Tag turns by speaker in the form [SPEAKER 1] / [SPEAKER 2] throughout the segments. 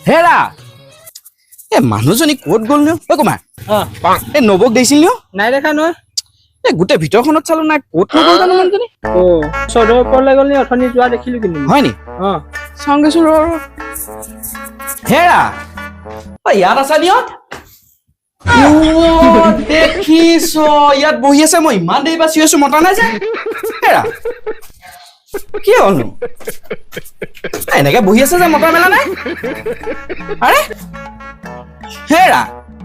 [SPEAKER 1] হেৰা মানুহজনী ক'ত গ'ল নো ঐ কুমাৰ নবক দেখিছিল নো
[SPEAKER 2] নাই দেখা নহয়
[SPEAKER 1] গোটেই ভিতৰখনত চালো নাই ক'ত নগ'ল জানো মানুহজনী
[SPEAKER 2] চৌধৰ ওপৰলৈ গ'ল নি অথনি যোৱা দেখিলো কিন্তু
[SPEAKER 1] হয় নি চাওঁ গৈছো হেৰা ইয়াত আছা নিয়ত দেখিছ ইয়াত বহি আছে মই ইমান দেৰি বাচি আছো মতা নাই যে হেৰা কি হ'লনো এনেকে বহি আছে যে মতা মেলা নাই আৰে হেৰা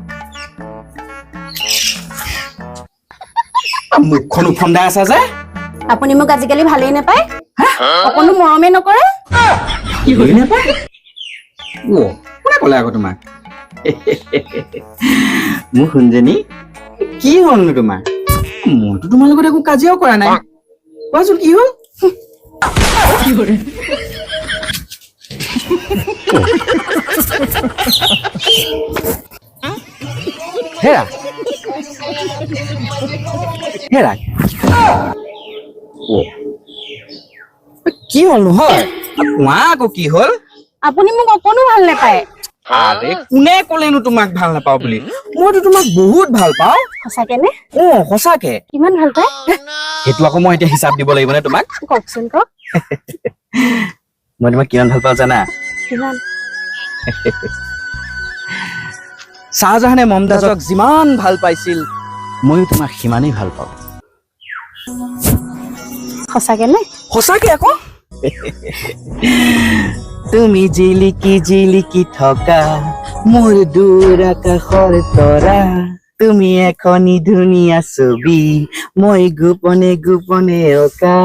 [SPEAKER 1] মুখখন উফন্দাই আছা যে
[SPEAKER 3] আপুনি মোক আজিকালি ভালেই নাপায় অকণো মৰমে নকৰে
[SPEAKER 1] নাপায় কোনে ক'লে আকৌ তোমাক মোৰ শুনজনী কি হ'লনো তোমাৰ মইতো তোমাৰ লগত একো কাজিয়াও কৰা নাই কোৱাচোন কি হ'ল হেৰা হেৰা কি হ'লনো হয় কোৱা আকৌ কি হ'ল
[SPEAKER 3] আপুনি মোক অকণো ভাল নাপায়
[SPEAKER 1] আৰে কোনে ক'লেনো তোমাক ভাল নাপাওঁ বুলি মইতো তোমাক বহুত ভাল পাওঁ
[SPEAKER 3] সঁচাকেনে
[SPEAKER 1] সঁচাকে
[SPEAKER 3] কিমান ভাল পায়
[SPEAKER 1] সেইটো আকৌ মই এতিয়া হিচাপ দিব লাগিব নে তোমাক
[SPEAKER 3] কওকচোন কওক
[SPEAKER 1] মই তোমাক কিমান ভাল পাওঁ জানা
[SPEAKER 3] কিমান
[SPEAKER 1] শ্বাহজাহানে মমতাজক যিমান ভাল পাইছিল ময়ো তোমাক সিমানেই ভাল পাওঁ
[SPEAKER 3] সঁচাকেনে
[SPEAKER 1] সঁচাকে আকৌ তুমি জিলিকি থকা মোৰ দূৰ আকাশৰ তৰা তুমি এখনি ধুনীয়া ছবি মই গোপনে গোপনে অঁকা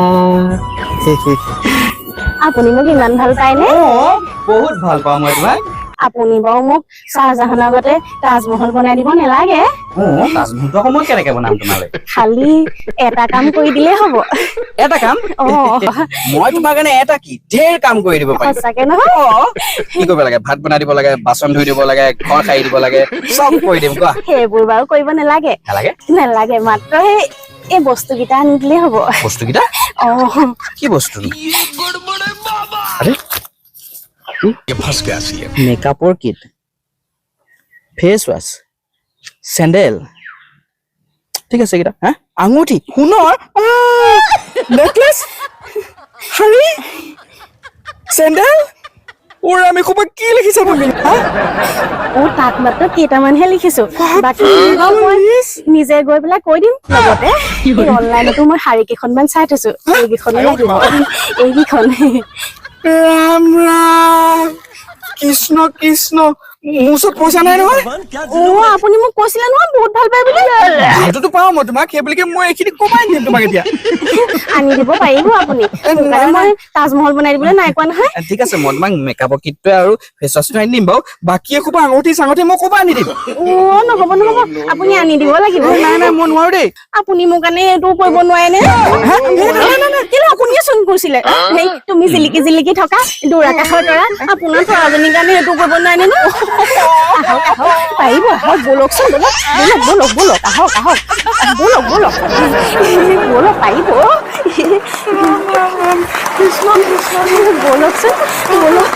[SPEAKER 3] আপুনি মোক ইমান ভাল পায়নে
[SPEAKER 1] বহুত ভাল পাওঁ মই তোমাক
[SPEAKER 3] আপুনি বাৰু মোক শ্বাহজাহানৰ আগতে তাজমহল বনাই দিব নালাগে
[SPEAKER 1] তাজমহলটো আকৌ মই কেনেকে বনাম তোমালৈ
[SPEAKER 3] খালি এটা কাম কৰি দিলেই হ'ব
[SPEAKER 1] এটা কাম মই তোমাৰ কাৰণে এটা কি ঢেৰ কাম কৰি দিব পাৰিম
[SPEAKER 3] সঁচাকে নহয়
[SPEAKER 1] কি কৰিব লাগে ভাত বনাই দিব লাগে বাচন ধুই দিব লাগে ঘৰ সাৰি দিব লাগে চব কৰি দিম কোৱা
[SPEAKER 3] সেইবোৰ বাৰু কৰিব নালাগে নালাগে মাত্ৰ এই বস্তুকেইটা আনি দিলেই হ'ব
[SPEAKER 1] বস্তুকেইটা কি বস্তু মেকআপৰ কিট ফেচ ৱাছ চেণ্ডেল ঠিক আছে এইকেইটা হা আঙুঠি সোণৰ নেকলেছ শাৰী চেণ্ডেল ওৰে আমি খুব কি লিখিছা তুমি
[SPEAKER 3] তাত মাত্ৰ কেইটামানহে লিখিছো বাকী মই নিজে গৈ পেলাই কৈ দিম লগতে অনলাইনতো মই শাৰী কেইখনমান চাই থৈছো এইকেইখনো লাগিব এইকেইখন
[SPEAKER 1] ৰাম ৰাম কৃষ্ণ কৃষ্ণ মোৰ ওচৰত পইচা নাই নহয়
[SPEAKER 3] আপুনি মোক কৈছিলে নহয় বহুত ভাল পায় বুলি
[SPEAKER 1] সেইটোতো পাওঁ মই তোমাক সেই বুলিকে মই এইখিনি কমাই দিম তোমাক এতিয়া
[SPEAKER 3] আনি দিব পাৰিব আপুনি মই তাজমহল বনাই দিবলৈ নাই কোৱা নহয়
[SPEAKER 1] ঠিক আছে মই তোমাক মেকআপৰ কিটটোৱে আৰু ফেচ ৱাছটো আনি দিম বাৰু বাকী এসোপা আঙুঠি চাঙুঠি মই ক'ৰপৰা আনি দিম
[SPEAKER 3] নহ'ব আপুনি আনি দিব লাগিব
[SPEAKER 1] নাই মই নোৱাৰো দেই
[SPEAKER 3] আপুনি মোৰ কাৰণে এইটো কৰিব নোৱাৰে নে কেলে আপুনিয়ে চোন কৈছিলে তুমি জিলিকি জিলিকি থকা দূৰ আকাশৰ তৰা আপোনাৰ তৰাজনীৰ কাৰণে এইটো কৰিব নোৱাৰে নে আহক পাৰিব আহক বলকচোন বলক আহক বলক পাৰিব বলকচোন বলক